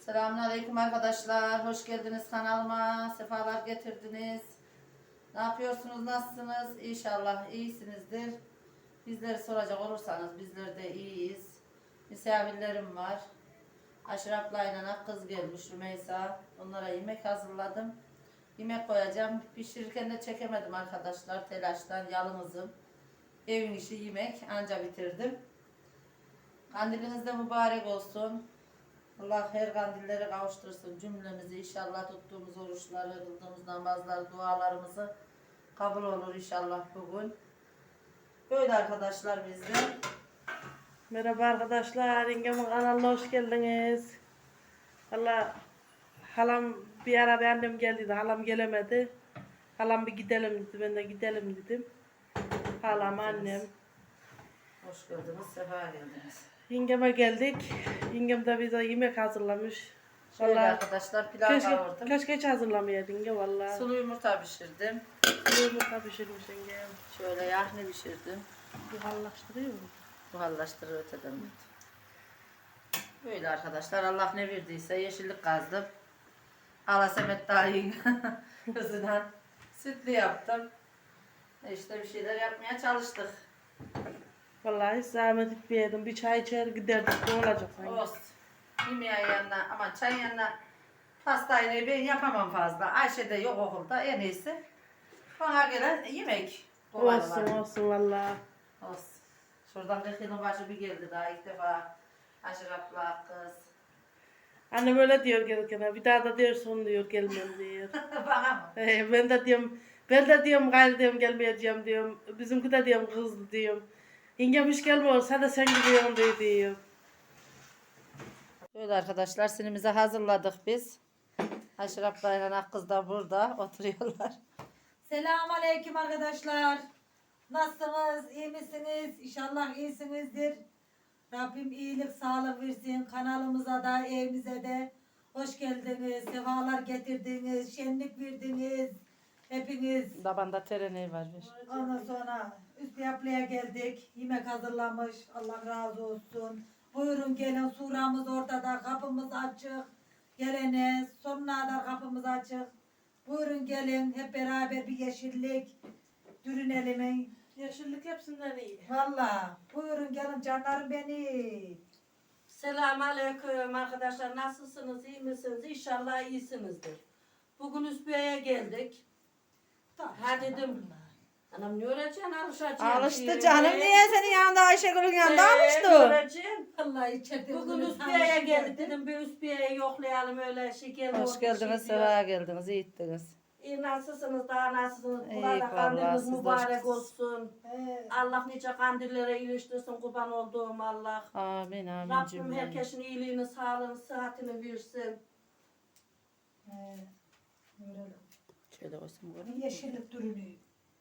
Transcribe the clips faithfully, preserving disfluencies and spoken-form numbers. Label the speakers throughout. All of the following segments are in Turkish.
Speaker 1: Selamünaleyküm arkadaşlar. Hoş geldiniz kanalıma. Sefalar getirdiniz. Ne yapıyorsunuz? Nasılsınız? İnşallah iyisinizdir. Bizleri soracak olursanız bizler de iyiyiz. Misafirlerim var. Aşraf'la ile kız gelmiş Rümeysa. Onlara yemek hazırladım. Yemek koyacağım. Pişirirken de çekemedim arkadaşlar. Telaştan yalnızım. Evin işi yemek. Anca bitirdim. Kandiliniz de mübarek olsun. Allah her kandillere kavuştursun cümlemizi. İnşallah tuttuğumuz oruçları, kıldığımız namazları, dualarımızı kabul olur inşallah bugün. Böyle arkadaşlar bizde.
Speaker 2: Merhaba arkadaşlar, yengemin kanalına hoş geldiniz. Valla halam bir ara bir annem geldi de halam gelemedi. Halam bir gidelim dedi, ben de gidelim dedim. Halam, annem.
Speaker 1: Hoş geldiniz, sefa geldiniz.
Speaker 2: Yengeme geldik. Yengem de bize yemek hazırlamış.
Speaker 1: Şöyle
Speaker 2: Vallahi
Speaker 1: arkadaşlar pilav
Speaker 2: keşke,
Speaker 1: kavurdum.
Speaker 2: keşke hiç hazırlamayaydın yenge valla.
Speaker 1: Sulu yumurta pişirdim.
Speaker 2: Yumurta pişirmiş yengem.
Speaker 1: Şöyle yahni pişirdim.
Speaker 2: Buharlaştırıyor mu?
Speaker 1: Buharlaştırır öteden. Böyle arkadaşlar Allah ne verdiyse yeşillik kazdım. Hala Semet dayın kızından sütlü yaptım. İşte bir şeyler yapmaya çalıştık.
Speaker 2: Vallahi hiç zahmet etmeyedim. Bir çay içer giderdik. Ne olacak sanki?
Speaker 1: Olsun. Yemeğin yanına ama çayın yanına pastayı ben yapamam fazla. Ayşe de yok okulda en iyisi. Bana gelen yemek. Kolay
Speaker 2: Olsun
Speaker 1: olan.
Speaker 2: olsun valla.
Speaker 1: Olsun. Şuradan kırk yılın başı bir geldi daha ilk defa. Aşırapla kız.
Speaker 2: Annem öyle diyor gelirken, bir daha da diyor son diyor gelmem diyor.
Speaker 1: Bana mı?
Speaker 2: Ee, ben de diyorum, ben de diyorum gayrı diyorum gelmeyeceğim diyorum. Bizimki de diyorum kızdı diyorum. Yengem hiç gelmiyor, sen de sen gidiyorsun diyor diyor.
Speaker 1: Böyle arkadaşlar sinimizi hazırladık biz. Aşırapla ile kız da burada oturuyorlar.
Speaker 3: Selamünaleyküm arkadaşlar. Nasılsınız? İyi misiniz? İnşallah iyisinizdir. Rabbim iyilik, sağlık versin. Kanalımıza da, evimize de hoş geldiniz. Sefalar getirdiniz. Şenlik verdiniz. Hepiniz.
Speaker 1: Babanda tereneği var. Bir.
Speaker 3: Ondan sonra üstü yapmaya geldik. Yemek hazırlamış. Allah razı olsun. Buyurun gelin. Suramız ortada. Kapımız açık. Gelene sonuna kadar kapımız açık. Buyurun gelin. Hep beraber bir yeşillik. Dürünelim.
Speaker 2: Yeşillik hepsinden iyi.
Speaker 3: Valla. Buyurun gelin canlarım beni.
Speaker 4: Selamünaleyküm arkadaşlar. Nasılsınız? İyi misiniz? İnşallah iyisinizdir. Bugün Üsbiye'ye geldik. Ha dedim. Anam ne öğreteceksin? Alışacaksın.
Speaker 1: Alıştı canım niye senin yanında Ayşegül'ün yanında alıştı.
Speaker 4: Öğreteceksin.
Speaker 3: Vallahi içeride
Speaker 4: Bugün Üsbiye'ye geldik dedim. Bir Üsbiye'yi yoklayalım öyle şey geldi.
Speaker 1: Hoş geldiniz, sefa geldiniz, iyi ettiniz.
Speaker 4: İyi nasılsınız? Daha nasılsınız?
Speaker 1: İyi,
Speaker 4: Burada
Speaker 1: vallahi
Speaker 4: kandiliniz
Speaker 1: sizler-
Speaker 4: mübarek olsun.
Speaker 3: He.
Speaker 4: Allah nice kandillere iliştirsin. Kurban olduğum Allah.
Speaker 1: Amin amin
Speaker 4: Rabbim
Speaker 1: cümle.
Speaker 4: herkesin iyiliğini, sağlığını, sıhhatini versin.
Speaker 3: He. Böyle.
Speaker 1: Şöyle koysun
Speaker 3: Bir
Speaker 1: bunu.
Speaker 3: yeşillik dürünüyor.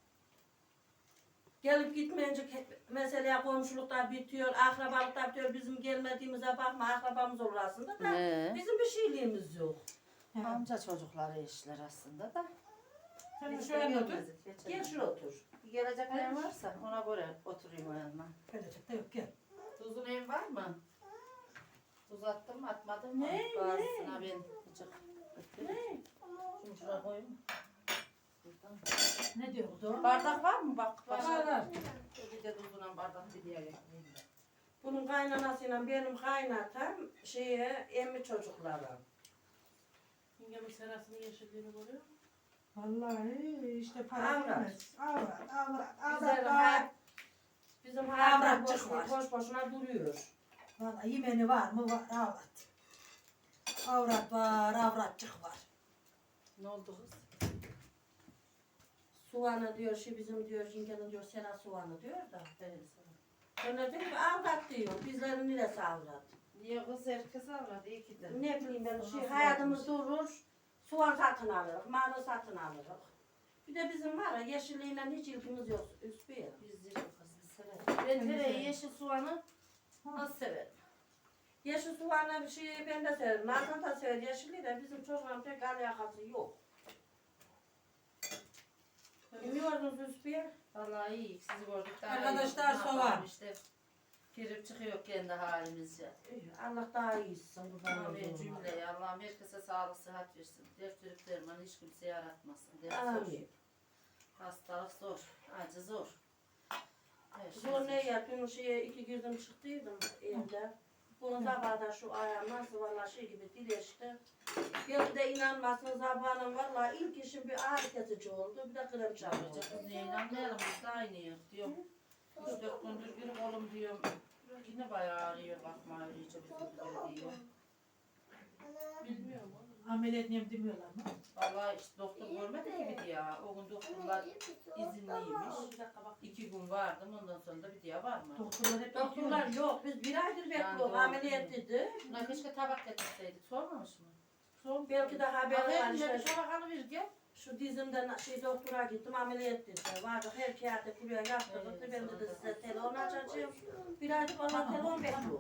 Speaker 4: Gelip gitmeyince hep mesela komşulukta bitiyor, akrabalıkta bitiyor. Bizim gelmediğimize bakma, akrabamız olur aslında da
Speaker 1: He.
Speaker 4: bizim bir şeyliğimiz yok.
Speaker 3: He.
Speaker 1: Amca çocukları işler aslında da.
Speaker 3: Sen
Speaker 1: Biz de
Speaker 3: şöyle otur.
Speaker 1: gelmedik, geçelim.
Speaker 4: Gel şuraya otur.
Speaker 1: Geleceklerin varsa ona göre oturayım o yanına.
Speaker 3: Gelecek de yok gel.
Speaker 1: Tuzun evin var mı? Tuz attın mı atmadın mı?
Speaker 4: Ne,
Speaker 1: Bazısına ben azıcık.
Speaker 4: Ne?
Speaker 1: Şunu şuraya koyayım. Buradan.
Speaker 3: Ne diyoruz o?
Speaker 1: Bardak var mı bak?
Speaker 3: Var,
Speaker 1: Başka-
Speaker 3: var.
Speaker 1: Bir de tuzuna bardak bir diye getireyim.
Speaker 4: Bunun kaynanasıyla benim kaynatam şeye emmi çocukları.
Speaker 2: Yengemin serasının yeşilliğini görüyor musun?
Speaker 3: Vallahi işte para
Speaker 4: Avrat.
Speaker 3: vermez. Avrat, avrat,
Speaker 4: Bizim,
Speaker 3: avrat.
Speaker 4: ha,
Speaker 3: avrat.
Speaker 4: bizim hayatlar
Speaker 3: Avratçık
Speaker 4: boş,
Speaker 3: var.
Speaker 4: boş boşuna duruyor.
Speaker 3: Vallahi yemeni var mı? Var, avrat. Avrat var, avratçık var.
Speaker 1: Ne oldu kız?
Speaker 4: Soğanı diyor, şey bizim diyor, yengenin diyor, sena soğanı diyor da.
Speaker 1: Evet, sana.
Speaker 4: Ben de diyorum ki avrat diyor, bizlerin neresi avrat?
Speaker 1: Niye kız herkes avradı? İyi ki de.
Speaker 4: Ne bileyim ben,
Speaker 1: Nasıl
Speaker 4: şey, hayatımız durur, soğan satın alırız, marul satın alırız. Bir de bizim var ya, yeşilliğiyle hiç ilgimiz yok, üstüye.
Speaker 1: Biz de çok kız biz severiz. Ben tereyi, yeşil soğanı nasıl severim?
Speaker 4: Yeşil soğanla bir şey ben de severim, Nazan da sever yeşilliği de bizim çocuğun pek alakası yok. Bilmiyordunuz üstüye.
Speaker 1: Vallahi iyi. Sizi gördük daha
Speaker 3: Arkadaşlar,
Speaker 1: iyi. Ne
Speaker 3: soğan.
Speaker 1: yapalım işte. Girip çıkıyor kendi halimizce.
Speaker 4: Allah daha iyisin, kurban
Speaker 1: Amin
Speaker 4: olduğum Allah.
Speaker 1: cümleye Allah Allah'ım herkese sağlık, sıhhat versin. Dert verip derman hiç kimseye yaratmasın. Dert zor.
Speaker 4: Amin.
Speaker 1: Hastalık zor. Acı zor. Her şey
Speaker 4: Zor ne
Speaker 1: zor.
Speaker 4: ya? Dün şeye iki girdim çıktıydım evde. Bunun sabahda şu ayağım nasıl valla şey gibi dileşti. Bir de inanmazsınız sabahın valla ilk işim bir ağrı kesici oldu. Bir de krem çaldı.
Speaker 1: Yapacak kız niye inanmayalım biz de aynıyız diyorum. Üç dört gündür bir oğlum diyorum. Yine bayağı ağrıyor bakma iyice bizimkileri diyor.
Speaker 4: Bilmiyorum.
Speaker 3: Ameliyat neyim demiyorlar mı?
Speaker 1: Vallahi işte doktor görmedi ki bir diye. O gün doktorlar izinliymiş.
Speaker 4: Bir dakika bak.
Speaker 1: İki gün vardım ondan sonra da bir diye var mı?
Speaker 3: Doktorlar hep
Speaker 4: Doktorlar yok. Biz bir aydır bekliyoruz.
Speaker 1: doğru.
Speaker 4: Ameliyat dedi.
Speaker 1: Buna keşke tabak getirseydik. Sormamış mı?
Speaker 4: Son belki de haber var
Speaker 1: Haber
Speaker 4: işte.
Speaker 1: bir tabak alıver gel.
Speaker 4: Şu dizimden şey doktora gittim ameliyat dedi. Vardı her kağıtta buraya yaptırdı.
Speaker 1: Evet,
Speaker 4: Ben de
Speaker 1: sonra
Speaker 4: size
Speaker 1: da-
Speaker 4: telefon açacağım. Bir aydır valla
Speaker 3: Tamam.
Speaker 4: telefon bekliyor.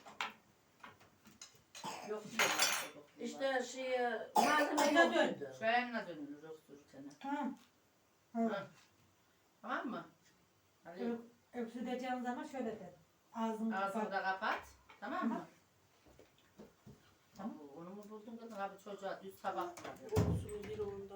Speaker 1: Yok diyorlar işte doktorlar.
Speaker 4: İşte şey malzeme
Speaker 3: Aynen
Speaker 4: yok
Speaker 3: öyle.
Speaker 4: dedi.
Speaker 1: Beğenme dönülür öksürürken.
Speaker 3: Ha.
Speaker 1: Ha.
Speaker 3: Ha.
Speaker 1: Tamam mı? Hadi
Speaker 3: Öksüreceğin zaman şöyle de. Ağzını
Speaker 1: ağzını
Speaker 3: kapat.
Speaker 1: da kapat. Tamam mı?
Speaker 3: Tamam.
Speaker 1: Oo, onu mu buldun kızım? Abi çocuğa düz tabak ver.
Speaker 2: Olsun bir onda.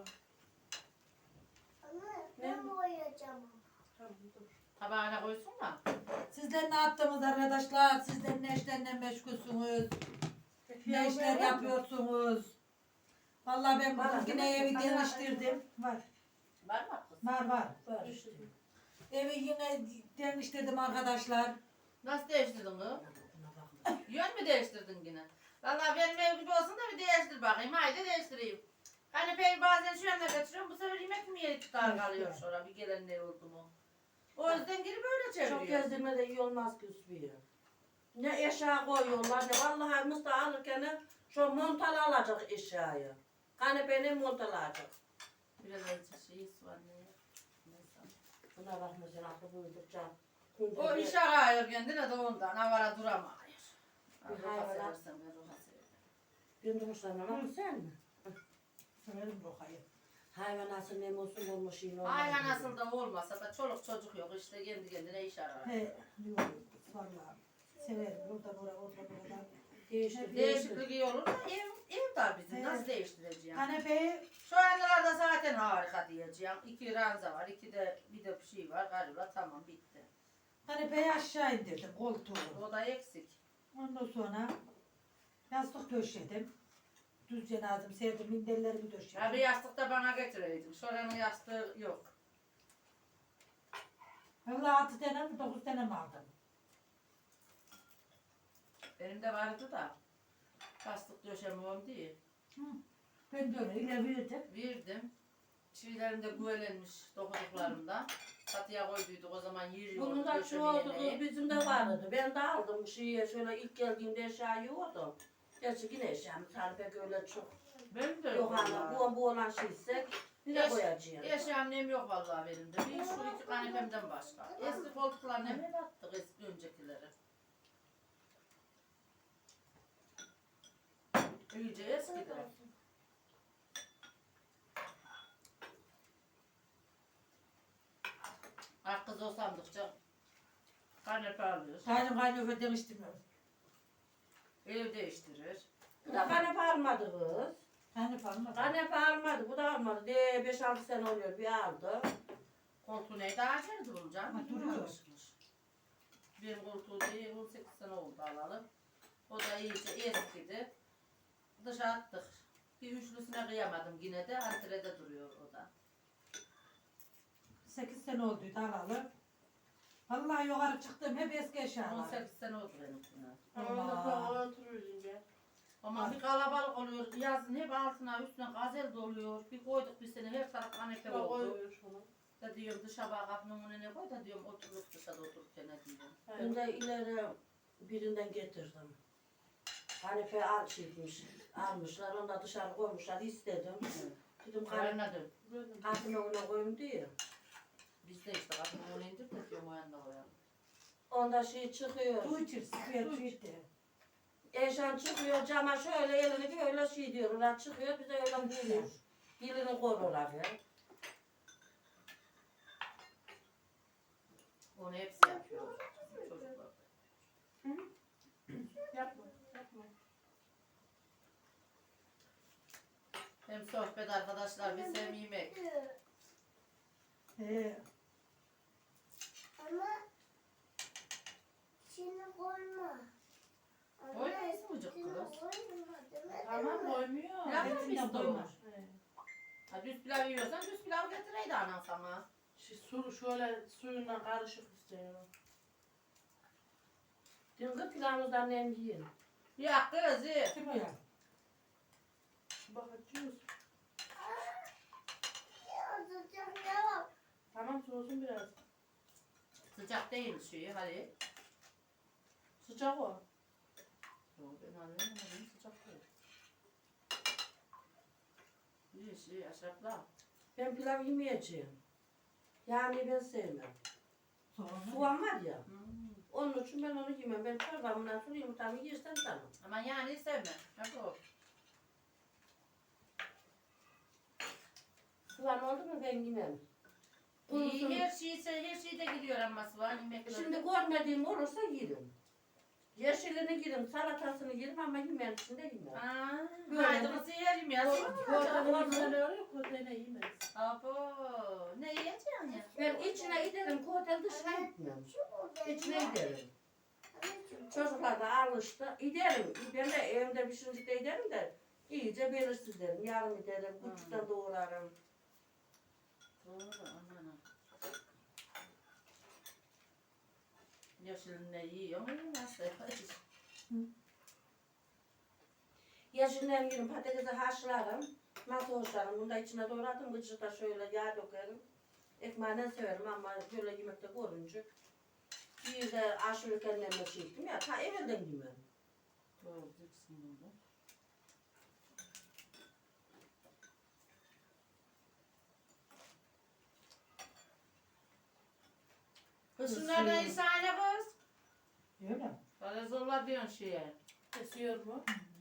Speaker 5: Ben boyayacağım.
Speaker 2: Tamam dur.
Speaker 1: Tabağına koysun da.
Speaker 3: Sizler ne yaptınız arkadaşlar? Sizler ne işlerle meşgulsünüz? Ne işler yapıyorsunuz? Vallahi ben
Speaker 4: Var,
Speaker 3: bugün yine
Speaker 4: değil mi?
Speaker 3: evi
Speaker 4: Var,
Speaker 3: değiştirdim. Var.
Speaker 1: Var mı kız?
Speaker 3: Var var.
Speaker 4: Var işte.
Speaker 3: Evi yine değiştirdim arkadaşlar.
Speaker 1: Nasıl değiştirdin kız? Yön mü değiştirdin yine? Vallahi benim ev gibi olsun da bir değiştir bakayım. Haydi değiştireyim. Kanepeyi bazen şu yanına kaçırıyorum. Bu sefer yemek mi yeri tutar kalıyor sonra bir gelen ne oldu mu? O yüzden girip böyle çeviriyor.
Speaker 4: Çok gezdirme de iyi olmaz ki Üsbiye. Ne eşya koyuyorlar ne vallahi Mustafa alırken şu montalı alacak eşyayı. Kanepenin montalı alacak.
Speaker 1: Biraz acı şey var ne? Neyse.
Speaker 4: Buna bak mesela aklı buydukça.
Speaker 1: O iş arıyor kendine de ondan. Havara duramıyor.
Speaker 4: Bir
Speaker 1: Allah
Speaker 4: hayvanat.
Speaker 1: seversen ver ona seversen.
Speaker 4: Ben durmuşlarım ama sen mi?
Speaker 3: Severim Roka'yı.
Speaker 4: Hayvanası ne olsun olmuş yine.
Speaker 1: Aynen nasıl da olmasa da çoluk çocuk yok işte kendi kendine iş arar.
Speaker 3: He, yok. Vallahi severim. Oradan oraya, oradan oradan.
Speaker 4: Değiştir, değiştir.
Speaker 1: Değişiklik iyi olur da ev, ev dar bizim.
Speaker 3: Evet.
Speaker 1: Nasıl değiştireceğim?
Speaker 3: Kanepeyi
Speaker 1: Şu anlarda zaten harika diyeceğim. İki ranza var, iki de bir de bir şey var. Galiba tamam bitti.
Speaker 3: kanepeyi aşağı indirdim koltuğu.
Speaker 1: O da eksik.
Speaker 3: Ondan sonra yastık döşedim. Düz cenazem serdim, minderlerimi döşedim.
Speaker 1: Ya bir yastık da bana getireydin. Şuranın yastığı yok.
Speaker 3: Vallahi altı tane mi dokuz tane mi aldım?
Speaker 1: Benim de vardı da. Yastık döşemem diye.
Speaker 3: Ben de öyle ile verdim.
Speaker 1: Verdim. Çivilerim de güvelenmiş dokuduklarımda. Katıya koyduyduk o zaman yiyorduk.
Speaker 4: Bunun da şu oldu kız bizim de vardı. Ben de aldım bu şeye şöyle ilk geldiğimde eşya yoktu. Gerçi yine eşyamız hani pek öyle çok
Speaker 1: Benim de
Speaker 4: yok
Speaker 1: yok
Speaker 4: hani
Speaker 1: vallahi.
Speaker 4: bu, bu olan şeyse yine
Speaker 1: Eş-
Speaker 4: koyacağım.
Speaker 1: Eşi annem yok vallahi benim de. Bir şu iki kanepemden başka. Eski koltuklarını hep attık eski öncekileri. İyice eskidi. Ah kız o sandıkça kanepe alıyor.
Speaker 3: Kaynım kaynıyor demiştim.
Speaker 1: Ev değiştirir.
Speaker 4: Bu da kanepe almadı kız.
Speaker 3: Kaynım almadım.
Speaker 4: Kanepe almadı bu da almadı. De beş altı sene oluyor bir aldı.
Speaker 1: Koltuğu neydi ağaçlardı bunu
Speaker 3: Ha,
Speaker 1: canım?
Speaker 3: duruyor.
Speaker 1: Almışmış. Benim koltuğu değil on sekiz sene oldu alalı. O da iyice eskidi. Dışa attık. Bir üçlüsüne kıyamadım yine de. Antrede duruyor o da.
Speaker 3: sekiz sene olduydu alalı. Vallahi yukarı çıktım hep eski
Speaker 1: on
Speaker 3: eşyalar.
Speaker 1: sekiz sene oldu benimkine.
Speaker 2: Ondan sonra oturuyoruz ya.
Speaker 1: Ama bir kalabalık oluyor. Yazın hep altına üstüne gazel doluyor. Bir koyduk bir sene her taraf kanepe
Speaker 2: Bak
Speaker 1: oldu.
Speaker 2: koyuyor şunu.
Speaker 1: Da diyorum dışa bak kapının önüne koy da diyorum oturup dışarıda otururken ne diyorum.
Speaker 4: Ben de ileri birinden getirdim. Kanepe al şeymiş, almışlar onu da dışarı koymuşlar istedim. Dedim kanepe
Speaker 1: Karına dön.
Speaker 4: kapının önüne koyayım diye.
Speaker 1: Biz de işte kapının önüne indir de diyorum o yanına koyalım.
Speaker 4: Onda şey çıkıyor.
Speaker 3: Su içirsin. Su içti.
Speaker 4: Eşan çıkıyor cama şöyle elini böyle şey diyorlar çıkıyor bize öyle vuruyor. Dilini koruyorlar ya.
Speaker 1: Onu hepsi yapıyor. Çocuklar.
Speaker 2: Yapma, yapma.
Speaker 1: Hem sohbet arkadaşlar, biz hem yemek.
Speaker 3: He.
Speaker 5: Ama şimdi koyma.
Speaker 1: Koymayız mı cık kız?
Speaker 5: Koyma demedim
Speaker 2: Tamam
Speaker 5: mi?
Speaker 2: koymuyor.
Speaker 1: Pilav mı
Speaker 3: Hepsinden
Speaker 1: istiyor?
Speaker 3: koyma.
Speaker 2: He.
Speaker 1: Ha, düz pilav yiyorsan düz pilav getireydi anan sana.
Speaker 2: Şu su şöyle suyundan karışık istiyorum.
Speaker 4: Dün pilavımızdan nem yiyin.
Speaker 1: Ya kız ye.
Speaker 3: Kim o ya?
Speaker 2: Bakacağız.
Speaker 5: Azıcık yavaş.
Speaker 2: Tamam soğusun biraz.
Speaker 1: Sıcak değil şeyi hadi.
Speaker 2: Sıcak o.
Speaker 1: Yok ben alıyorum ama sıcak değil. İyi şey aşağıda.
Speaker 4: Ben pilav yemeyeceğim. Yani ben sevmem.
Speaker 3: Sonra.
Speaker 4: Soğan var ya.
Speaker 1: Hmm.
Speaker 4: Onun için ben onu yemem. Ben çorbamdan sonra yumurtamı yersen tamam.
Speaker 1: Ama yani sevme. Hep o.
Speaker 4: Soğan oldu mu ben yemem.
Speaker 1: İyi,
Speaker 4: Kurusun.
Speaker 1: her şey her şeyde gidiyor ama var yemekler.
Speaker 4: Şimdi görmediğim olursa yerim. Yeşilini yerim, salatasını yerim ama yemeğin içinde yemem.
Speaker 1: Aa,
Speaker 4: Böyle.
Speaker 1: haydi kız yerim ya.
Speaker 2: Kodanın öyle oluyor, kodene yemez.
Speaker 1: Abo, ne yiyeceksin ya?
Speaker 4: Ben içine giderim, kotel dışına gitmem. İçine giderim. Çocuklar da alıştı. Giderim. Ben de evimde pişirince de giderim de iyice belirsizlerim. Yarım giderim, küçükten doğrarım.
Speaker 1: Doğru, aman. Yeşilini yiyor mu yemezse?
Speaker 4: Yeşilden yerim, patatesi haşlarım. Nasıl haşlarım? Bunu da içine doğradım. Gıcık da şöyle yağ dökerim. Ekmeğinden severim ama böyle yemekte görünce. Bir de aşırı kendime şey ettim ya. Ta evvelden yemem.
Speaker 1: Doğru, diksin bunu. Kız şunlardan insane kız.
Speaker 3: Öyle mi?
Speaker 1: Böyle zorla diyorsun şeye.
Speaker 2: Kesiyor mu?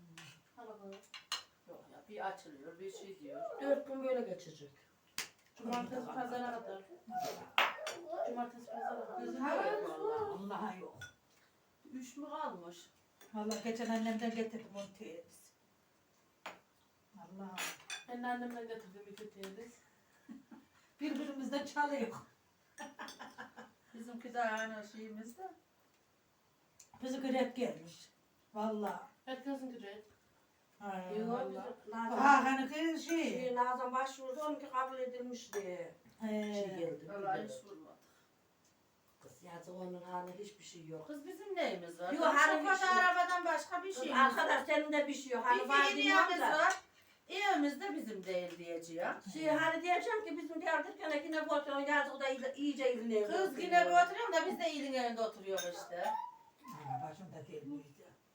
Speaker 1: Yok ya bir açılıyor bir şey diyor.
Speaker 4: Dört gün böyle geçecek.
Speaker 2: Cumartesi pazara kadar. Cumartesi pazara kadar.
Speaker 1: Kızım yok valla.
Speaker 3: Allah'a yok.
Speaker 1: Üç mü kalmış?
Speaker 3: Vallahi geçen annemden getirdim onu teyze. Allah'ım.
Speaker 2: Ben de annemden getirdim iki teyze.
Speaker 3: Birbirimizden çalıyor.
Speaker 1: Bizimki de aynı şeyimizde.
Speaker 3: Bizi grep gelmiş. Vallahi.
Speaker 2: Herkesin güzel.
Speaker 3: Ay,
Speaker 4: Yok,
Speaker 3: vallahi.
Speaker 4: bizim Nazan,
Speaker 3: Ha hani kız şey.
Speaker 4: şey, Nazan başvurdu, onunki kabul edilmiş diye şey
Speaker 3: He.
Speaker 4: geldi.
Speaker 1: Vallahi hiç vurmadı.
Speaker 4: Kız yazık onun haline hiçbir şey yok.
Speaker 1: Kız bizim neyimiz var?
Speaker 4: Yok,
Speaker 1: Yok,
Speaker 4: hani bir
Speaker 1: şoförde
Speaker 4: şey-
Speaker 1: arabadan başka bir
Speaker 4: Kız
Speaker 1: şeyimiz var.
Speaker 4: arkadaş senin de bir şey yok. Hani
Speaker 1: Bir
Speaker 4: var
Speaker 1: fiiliyemiz
Speaker 4: bilmem de.
Speaker 1: var. Evimiz de bizim değil diyeceğim.
Speaker 4: Şey hani diyeceğim ki bizim derdirken yine bu oturan yazık da iyice- iyice izin evde
Speaker 1: Kız
Speaker 4: oturuyor.
Speaker 1: yine bir oturuyorum da biz de iyiliğin evinde oturuyor işte.
Speaker 3: Ay, başımda değil muydu?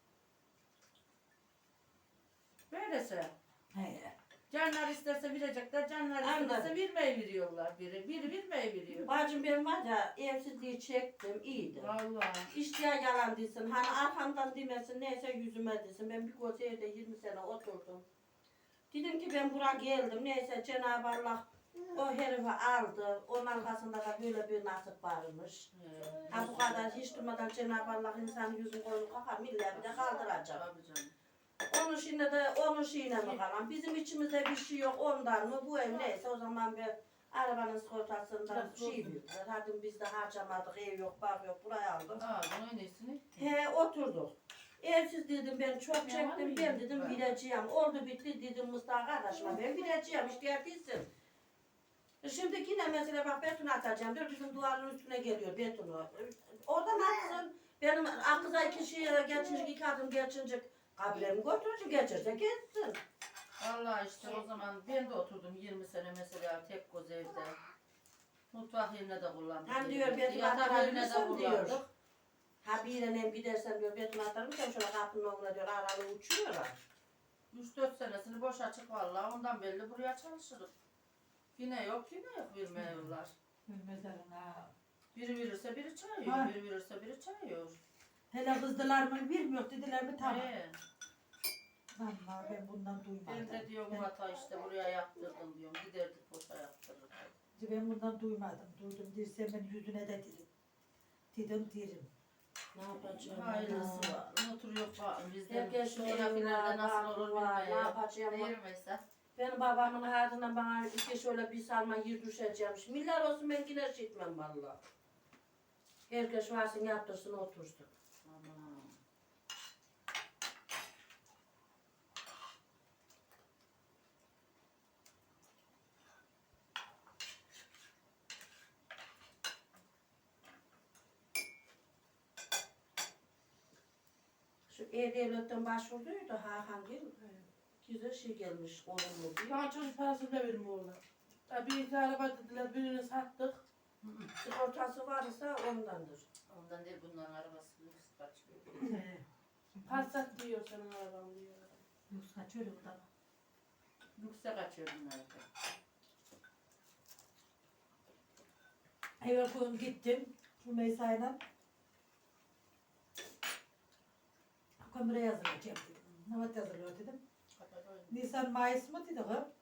Speaker 1: Böylese.
Speaker 3: He.
Speaker 1: Canlar isterse verecekler, canlar
Speaker 4: Aynen.
Speaker 1: isterse vermeyi veriyorlar biri. Biri vermeyi veriyor.
Speaker 4: Bacım benim var ya evsizliği çektim iyiydi.
Speaker 1: Vallahi.
Speaker 4: İşçiye yalan desin, hani arkamdan demesin, neyse yüzüme desin. Ben bir koca evde yirmi sene oturdum. Dedim ki ben buraya geldim, neyse Cenab-ı Allah o herifi aldı. Onun arkasında da böyle bir nasip varmış.
Speaker 1: He.
Speaker 4: Ha bu kadar hiç durmadan Cenab-ı Allah insanın yüzünü koyup kakar, milleti bir de kaldıracak.
Speaker 1: Tabii canım.
Speaker 4: Onun şimdi de onun şeyine mi kalan? Bizim içimizde bir şey yok ondan mı? Bu ev neyse o zaman bir arabanın sigortasından
Speaker 2: Biraz
Speaker 4: şey verdiler. Hadi biz de harcamadık, ev yok, bak yok, buraya aldık.
Speaker 1: Aa, bunun en iyisini.
Speaker 4: He oturduk. Evsiz dedim ben çok
Speaker 1: Ya var
Speaker 4: çektim,
Speaker 1: mı?
Speaker 4: ben dedim
Speaker 1: Var.
Speaker 4: bileceğim. Oldu bitti dedim Mustafa kardeşime, ben bileceğim, işte değilsin. Şimdi yine mesela bak beton atacağım diyor, bizim duvarın üstüne geliyor betonu. Oradan atsın, benim akıza iki şeye geçince, iki adım geçince kabremi götürücü geçirse geçsin.
Speaker 1: Vallahi işte o zaman ben de oturdum yirmi sene mesela tek göz evde. Mutfak yerine de kullandık.
Speaker 4: Hem diyor,
Speaker 1: evimizi,
Speaker 4: beton
Speaker 1: yatak yerine de
Speaker 4: atabilirsem diyor.
Speaker 1: kullandık.
Speaker 4: Ha bir yere gidersen diyor beton atarım, sen şöyle kapının önüne diyor, aralı uçuyorlar.
Speaker 1: üç dört senesini boş açık vallahi ondan belli buraya çalışırız. Yine yok yine yok vermiyorlar.
Speaker 3: Bilmezlerin ha.
Speaker 1: Biri verirse biri çay
Speaker 3: Ha.
Speaker 1: yiyor, biri verirse biri çay yiyor.
Speaker 3: Hele kızdılar mı bilmiyor dediler mi tamam.
Speaker 1: He.
Speaker 3: Vallahi ben bundan
Speaker 1: Ben
Speaker 3: duymadım.
Speaker 1: de diyorum hata işte buraya yaptırdım diyorum. Giderdik boşa yaptırırdık.
Speaker 3: Ben bundan duymadım. Duydum dirsem ben yüzüne de dedim. Dedim derim.
Speaker 4: Ne yapacağım?
Speaker 1: Hayırlısı var. Oturuyor falan bizden.
Speaker 4: Herkes
Speaker 1: Şu yakınlarda nasıl olur
Speaker 4: var, ne
Speaker 1: bilmiyorum.
Speaker 4: yapacağım?
Speaker 1: Değil mi Esra?
Speaker 4: Benim babamın ardından bana iki şöyle bir sarma yer düşeceğimiş. Milyar olsun ben yine şey etmem valla. Herkes varsın yaptırsın otursun.
Speaker 1: Aman.
Speaker 4: Şu E-Devlet'ten başvurduydu Hakan Gil. Güzel şey gelmiş olumlu diye.
Speaker 2: Bana çocuk parasını da vermiyorlar. Ya bir iki araba dediler, birini sattık.
Speaker 4: Sigortası varsa ondandır.
Speaker 1: Ondan değil bunların arabası lüks kaçıyor.
Speaker 2: Passat diyor senin araban diyor.
Speaker 3: Yoksa kaçıyor o da.
Speaker 1: Lükse kaçıyor bunlar da.
Speaker 3: Evvel gün gittim. Rümeysa'yla. Kömüre yazılacağım dedim. Navat yazılıyor dedim. Nisan Mayıs mı dedi kız?